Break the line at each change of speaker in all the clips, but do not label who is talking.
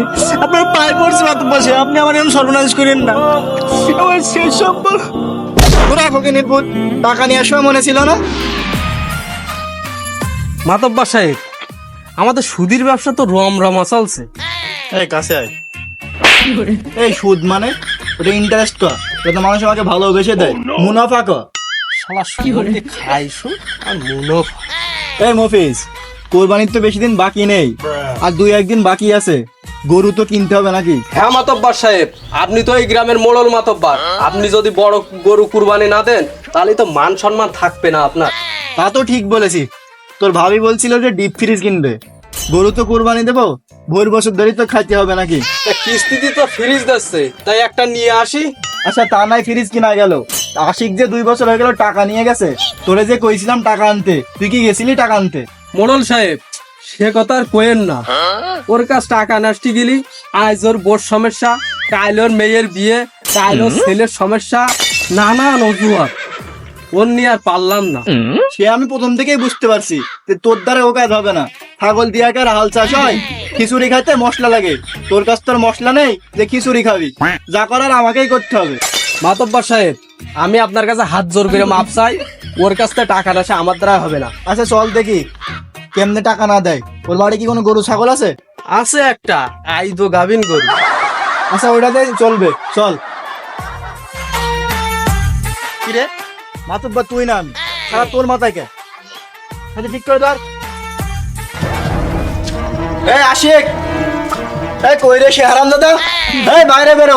আপনার পায়ে পড়ছে মাতব্বর সাহেব, আপনি আমার এরকম সর্বনাশ করেন না। আমার শেষ সম্বল। তোরা ফকিনের পুত, টাকা নিয়ে আসা মনে ছিল না?
মাতব্বর সাহেব, আমাদের সুদির ব্যবসা তো রমরমা চলছে।
এই কাছে আয়। এই সুদ মানে ওটা ইন্টারেস্ট কর, ওটা মানুষ আমাকে ভালোবেসে দেয়। মুনাফা কর।
শালা সুদ খাই সুদ আর মুনাফা।
এই মফিজ, কোরবানির তো বেশি দিন বাকি নেই, আর 2-1 দিন বাকি আছে। গরু তো কিনতে হবে নাকি?
হ্যাঁ মাতব্বর সাহেব, আপনি তো এই গ্রামের মোড়ল মাতব্বর। আপনি যদি বড় গরু কুরবানি না দেন তাহলে তো মান সম্মান থাকবে না আপনার।
তা তো ঠিক বলেছি। তোর ভাবি বলছিল যে ডিপ ফ্রিজ কিনবে। গরু তো কোরবানি দেবো, ভোর বছর ধরে তো খাইতে হবে নাকি?
তা কিস্তিতে তো ফ্রিজ দিচ্ছে, তাই একটা নিয়ে আসি।
আচ্ছা তা নাই ফ্রিজ কিনা গেল, আশিক যে 2 বছর হয়ে গেল টাকা নিয়ে গেছে। তোরে যে কইছিলাম টাকা আনতে, তুই কি গেছিলি টাকা আনতে?
মোড়ল সাহেব, সে কথা আর কোয়েন না। ওর কাছ টাকা নাস্তি গেলি, আজ ওর বোর সমস্যা, কাল ওর মেয়ের বিয়ে, কাল ওর ছেলের সমস্যা, নানান অজুহাত। ওর নিয়ে আর পারলাম না।
সে আমি প্রথম থেকেই বুঝতে পারছি যে তোর দ্বারা ও কাজ হবে না। ছাগল দিয়া কার হাল চাষ হয়? খিচুড়ি খাইতে মশলা লাগে, তোর কাছ তোর মশলা নেই যে খিচুড়ি খাবি। যা করার আমাকেই করতে হবে।
মাতব্বর সাহেব, আমি আপনার কাছে হাত জোর করে মাপ চাই। ওর কাছ থেকে টাকা আসে আমার দ্বারা হবে না।
আচ্ছা চল দেখি কেমনে টাকা না দেয়। ওর বাড়ি কি কোনো গরু ছাগল আছে?
আছে একটা আইদো গাভিন গরু।
আচ্ছা ওইটাতে চলবে, চল। কিরে মাতুব্বা, তুই না আমি, সারা তোর মাথায় কে? আচ্ছা ঠিক করে ধর। এই আশিক, এই কই রে সে হারাম দাদা? এই বাইরে বেরো।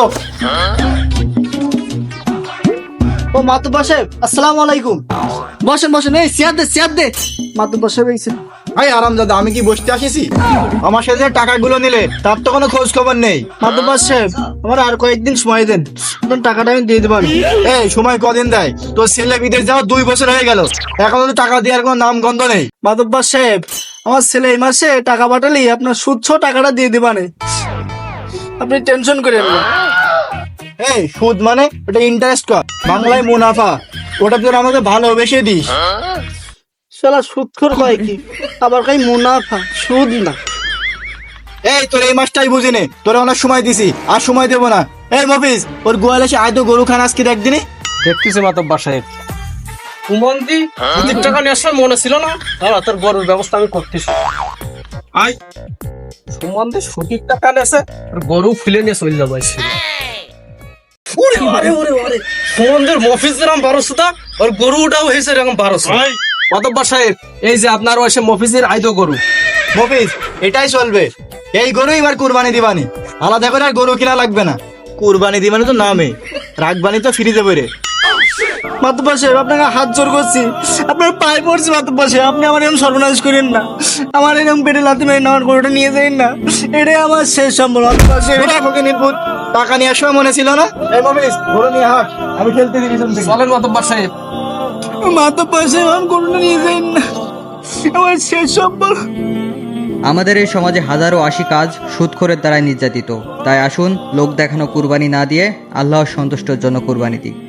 ও মাতুব্বা সাহেব, আসসালামু আলাইকুম। বসেন বসেন, এই চেয়ার দে চেয়ার দে। মাতুব্বা সাহেব এইছে। এই আরাম দাদা, আমি কি বসতে আসিছি? আমার সাথে যে টাকাগুলো নিলে তার তো কোনো খোঁজ খবর নেই। মাতুব্বা সাহেব, আমার আর কয়েকদিন সময় দেন, আপনার টাকাটা আমি দিয়ে দেবো। এই সময় কদিন দেয়? তোর ছেলে বিদেশ যাওয়া 2 বছর হয়ে গেল, এখনো তো টাকা দেওয়ার কোনো নাম গন্ধ নেই। মাতুব্বা সাহেব, আমার ছেলে এই মাসে টাকা পাঠালেই আপনার সুদ সহ টাকাটা দিয়ে দেবানে, আপনি টেনশন করেন না। এই সুদ মানে ওটা ইন্টারেস্ট কর, বাংলায় মুনাফা। ওটা তোর আমাকে ভালোবেসে দিস। শালা সুদখোর কয় কি, আবার কই মুনাফা, সুদ না। এই তোর এই মাসটাই বুঝি নে, তোরা অনেক সময় দিছি, আর সময় দেবো না। এই মফিজ, ওর গোয়াল এসে আয় তো গরু খান আজকে একদিনই।
দেখতেছি মাতব্বর সাহেব। কুমন্দি, সুদের টাকা নিয়ে আসার মনে ছিল না? দাঁড়া, তোর গরুর ব্যবস্থা আমি করতেছি। আয় সুমন্দি, সুদের টাকা নেছে, গরু ফিলে নিয়ে চলে যাবো। সুমন্দির মফিজ যেরকম 1200, ওর গরুটাও হয়েছে এরকম 1200। মাতব্বর সাহেব, এই যে আপনার ওইসে মফিজের আইদো গরু।
মফিজ, এটাই চলবে। এই গরু এবার কুরবানি দিবানি, আলাদা করে আর গরু কিনা লাগবে না। কুরবানি দিবানি তো নামে, রাখবানি তো ফিরে যাবে রে। মাতুব্বা সাহেব, আপনাকে হাত জোর করছি, আপনার পায়ে পড়ছি। মাতুব্বা সাহেব, আপনি আমার এরকম সর্বনাশ করেন না, আমার এরকম পেটে লাথি মেরে আমার গরুটা নিয়ে যাই না। এটাই আমার শেষ সম্বল। মাতুব্বা সাহেব, টাকা নিয়ে আসা মনে ছিল না? এই মফিজ, গরু নিয়ে হাট, আমি খেলতে দিই।
চলেন মাতব্বর সাহেব।
মাতুব্বা সাহেব, আমার গরুটা নিয়ে যাই না, আমার শেষ সম্বল।
আমাদের এই সমাজে হাজারো আশি কাজ সুদখোরের দ্বারাই নির্যাতিত। তাই আসুন লোক দেখানো কুরবানি না দিয়ে আল্লাহর সন্তুষ্টের জন্য কুরবানি দিই।